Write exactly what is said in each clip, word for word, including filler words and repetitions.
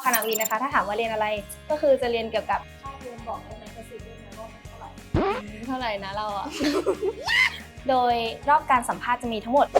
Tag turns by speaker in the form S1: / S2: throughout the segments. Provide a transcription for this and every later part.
S1: ณะวิทย์นะคะถ้าถามว่าเรียนอะไรก็คือจะเรียนเกี่ยวกับ
S2: ค่าเทอมบอกได้ไหมกระซิบได้ไหมว่ามันเท่าไหร่
S1: เท่าไหร่นะเราอะ โดยรอบการสัมภาษณ์จะมีทั้งหมด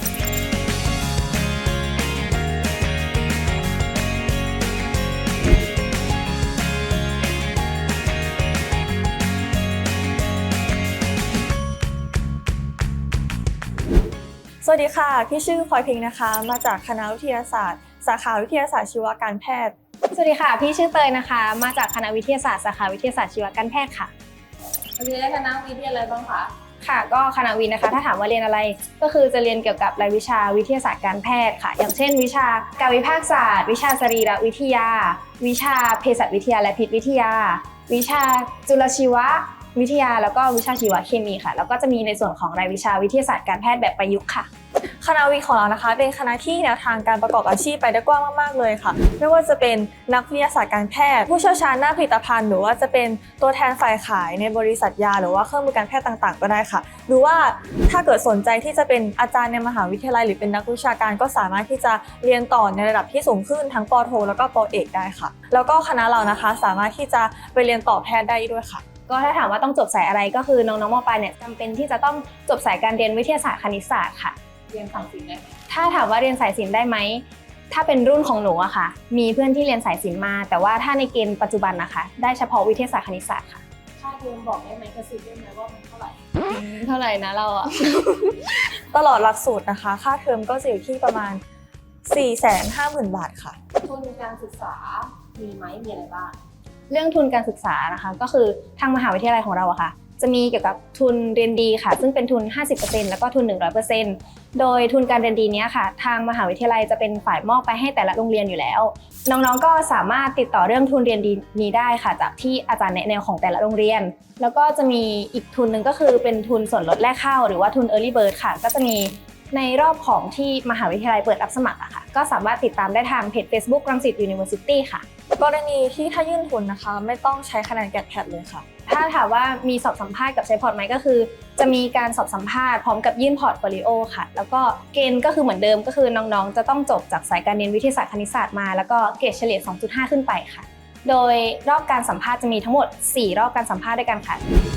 S3: สวัสดีค่ะพี่ชื่อพลอยพิงค์นะคะมาจากคณะวิทยาศาสตร์สาขาวิทยาศาสตร์ชีวการแพทย์
S1: สวัสดีค่ะพี่ชื่อเตยนะคะมาจากคณะวิทยาศาสตร์สาขาวิทยาศาสตร์ชีวการแพทย์ค่ะ
S2: เรียนได้คณะวิทยาอะไรบ้างคะ
S1: ค่ะก็คณะวิทย์นะคะถ้าถามว่าเรียนอะไรก็คือจะเรียนเกี่ยวกับรายวิชาวิทยาศาสตร์การแพทย์ค่ะอย่างเช่นวิชาการวิภาคศาสตร์วิชาสรีรวิทยาวิชาเภสัชวิทยาและพิษวิทยาวิชาจุลชีววิทยาแล้วก็วิชาชีวเคมีค่ะแล้วก็จะมีในส่วนของรายวิชาวิทยาศาสตร์การแพทย์แบบประยุกต์ค่ะ
S3: คณะวิทย์ของเรานะคะเป็นคณะที่แนวทางการประกอบอาชีพไปได้กว้างมากๆเลยค่ะไม่ว่าจะเป็นนักวิทยาศาสตร์การแพทย์ผู้เชี่ยวชาญด้านผลิตภัณฑ์หรือว่าจะเป็นตัวแทนฝ่ายขายในบริษัทยาหรือว่าเครื่องมือการแพทย์ต่างๆก็ได้ค่ะหรือว่าถ้าเกิดสนใจที่จะเป็นอาจารย์ในมหาวิทยาลัยหรือเป็นนักวิชาการก็สามารถที่จะเรียนต่อในระดับที่สูงขึ้นทั้งป.โทแล้วก็ป.เอกได้ค่ะแล้วก็คณะเรานะคะสามารถที่จะไปเรียนต่อแพทย์ได้ด้วยค่ะ
S1: ก็ถ้าถามว่าต้องจบสายอะไรก็คือน้องๆม.ปลายเนี่ยจำเป็นที่จะต้องจบสายการเรียนวิทยาศาสตร์คณิตศาสตร์ค่ะ
S2: เรียนสายศิลป์ได้ไหม
S1: ถ้าถามว่าเรียนสายศิลป์ได้ไหมถ้าเป็นรุ่นของหนูอะค่ะมีเพื่อนที่เรียนสายศิลป์มาแต่ว่าถ้าในเกณฑ์ปัจจุบันนะคะได้เฉพาะวิทยาศาสตร์คณิตศาสตร์ค่ะ
S2: ค่าเทอมบอกได้ไหมกระซิบได้ไหมว่ามันเท่าไหร่
S1: เท่าไหร่นะเราอะ
S3: ตลอดหลักสูตรนะคะค่าเทอมก็จะอยู่ที่ประมาณ สี่แสนห้าหมื่น บาทค่ะ
S2: ทุนการศึกษามีไหมมีอะไรบ้าง
S1: เรื่องทุนการศึกษานะคะก็คือทางมหาวิทยาลัยของเราอะค่ะจะมีเกี่ยวกับทุนเรียนดีค่ะซึ่งเป็นทุน ห้าสิบเปอร์เซ็นต์ แล้วก็ทุน หนึ่งร้อยเปอร์เซ็นต์ โดยทุนการเรียนดีนี้ค่ะทางมหาวิทยาลัยจะเป็นฝ่ายมอบไปให้แต่ละโรงเรียนอยู่แล้วน้องๆก็สามารถติดต่อเรื่องทุนเรียนดีนี้ได้ค่ะจากที่อาจารย์แนะแนวของแต่ละโรงเรียนแล้วก็จะมีอีกทุนหนึ่งก็คือเป็นทุนส่วนลดแรกเข้าหรือว่าทุน Early Bird ค่ะก็จะมีในรอบของที่มหาวิทยาลัยเปิดรับสมัครอะค่ะก็สามารถติดตามได้ทางเพจ Facebook รังสิต University ค่ะ
S3: กรณีที่ถ้ายื่นทุนนะคะไม่ต้องใช้คะแนนแกดแพดเลยค่ะ
S1: ถ้าถามว่ามีสอบสัมภาษณ์กับใช้พอร์ตไหมก็คือจะมีการสอบสัมภาษณ์พร้อมกับยื่นพอร์ตโฟลิโอค่ะแล้วก็เกณฑ์ก็คือเหมือนเดิมก็คือน้องๆจะต้องจบจากสายการเรียนวิทยาศาสตร์คณิตศาสตร์มาแล้วก็เกรดเฉลี่ย สองจุดห้า ขึ้นไปค่ะโดยรอบการสัมภาษณ์จะมีทั้งหมดสี่รอบการสัมภาษณ์ด้วยกันค่ะ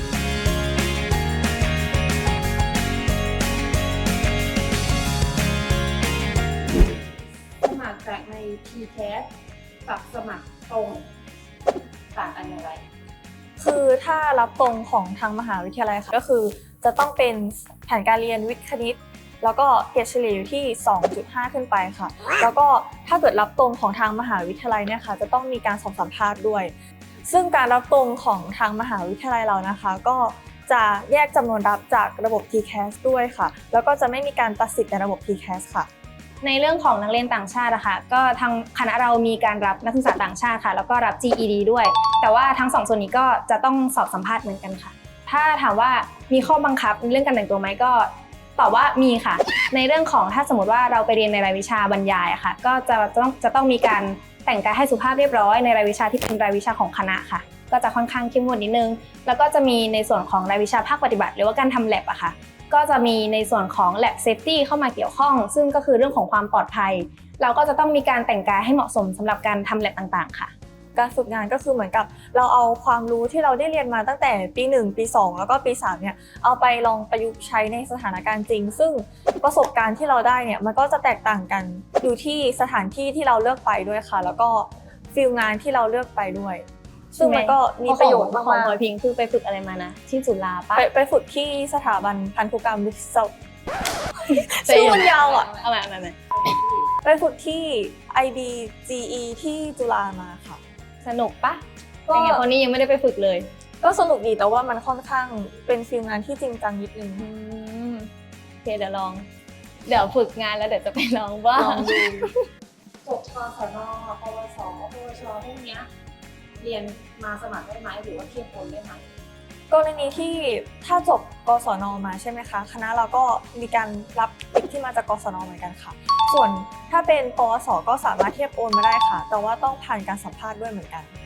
S2: สมัครจากใน ที แคส กับสมัครตรงต่างกันอย่างไร
S3: คือถ้ารับตรงของทางมหาวิทยาลัยค่ะก็คือจะต้องเป็นแผนการเรียนวิทย์คณิตแล้วก็เกรดเฉลี่ยอยู่ที่ สองจุดห้า ขึ้นไปค่ะแล้วก็ถ้าเกิดรับตรงของทางมหาวิทยาลัยเนี่ยค่ะจะต้องมีการสอบสัมภาษณ์ด้วยซึ่งการรับตรงของทางมหาวิทยาลัยเรานะคะก็จะแยกจำนวนรับจากระบบ ที แคส ด้วยค่ะแล้วก็จะไม่มีการตัดสิทธิ์ในระบบ ที แคส ค่ะ
S1: ในเรื่องของนักเรียนต่างชาตินะคะก็ทางคณะเรามีการรับนักศึกษาต่างชาติค่ะแล้วก็รับ จี อี ดี ด้วยแต่ว่าทั้งสองส่วนนี้ก็จะต้องสอบสัมภาษณ์เหมือนกันค่ะถ้าถามว่ามีข้อบังคับในเรื่องการแต่งตัวไหมก็ตอบว่ามีค่ะในเรื่องของถ้าสมมติว่าเราไปเรียนในรายวิชาบรรยายอะค่ะก็จะต้องจะต้องมีการแต่งกายให้สุภาพเรียบร้อยในรายวิชาที่เป็นรายวิชาของคณะค่ะก็จะค่อนข้างเข้มงวดนิดนึงแล้วก็จะมีในส่วนของรายวิชาภาคปฏิบัติหรือว่าการทำ lab อะค่ะก็จะมีในส่วนของ lab safety เข้ามาเกี่ยวข้องซึ่งก็คือเรื่องของความปลอดภัยเราก็จะต้องมีการแต่งกายให้เหมาะสมสำหรับการทำ lab ต่างๆค่ะ
S3: การฝึกงานก็คือเหมือนกับเราเอาความรู้ที่เราได้เรียนมาตั้งแต่ปีหนึ่งปีสองแล้วก็ปีสามเนี่ยเอาไปลองประยุกต์ใช้ในสถานการณ์จริงซึ่งประสบการณ์ที่เราได้เนี่ยมันก็จะแตกต่างกันอยู่ที่สถานที่ที่เราเลือกไปด้วยค่ะแล้วก็ฟีลงานที่เราเลือกไปด้วยซึ่งมันก็มีประโยชน์มากๆ
S1: ของพลอยพิงค์คือไปฝึกอะไรมานะที่จุฬาปะ
S3: ไปไปฝึกที่สถาบันพันธุกรรมวิศวะชื่อมันยาวอ่ะ
S1: เอาใหม่เอาใหม่
S3: ไปฝึกที่ ไอ บี จี อี ที่จุฬามาค่ะ
S1: สนุกปะก็ยังไงคนนี้ยังไม่ได้ไปฝึกเลย
S3: ก็สนุกดีแต่ว่ามันค่อนข้างเป็นฟีลงานที่จริงจังนิดนึง
S1: โอเคเดี๋ยวลองเดี๋ยวฝึกงานแล้วเดี๋ยวจะไปลองบ้าง
S2: จบกศน ปวส ปวชพวกนี้เรียนมาสมัครได้ไหมหรือว่าเทียบโอนได้ไหม
S3: กรณีที่ถ้าจบกศนมาใช่ไหมคะคณะเราก็มีการรับเด็กที่มาจากกศนเหมือนกันค่ะส่วนถ้าเป็นปวสก็สามารถเทียบโอนมาได้ค่ะแต่ว่าต้องผ่านการสัมภาษณ์ด้วยเหมือนกัน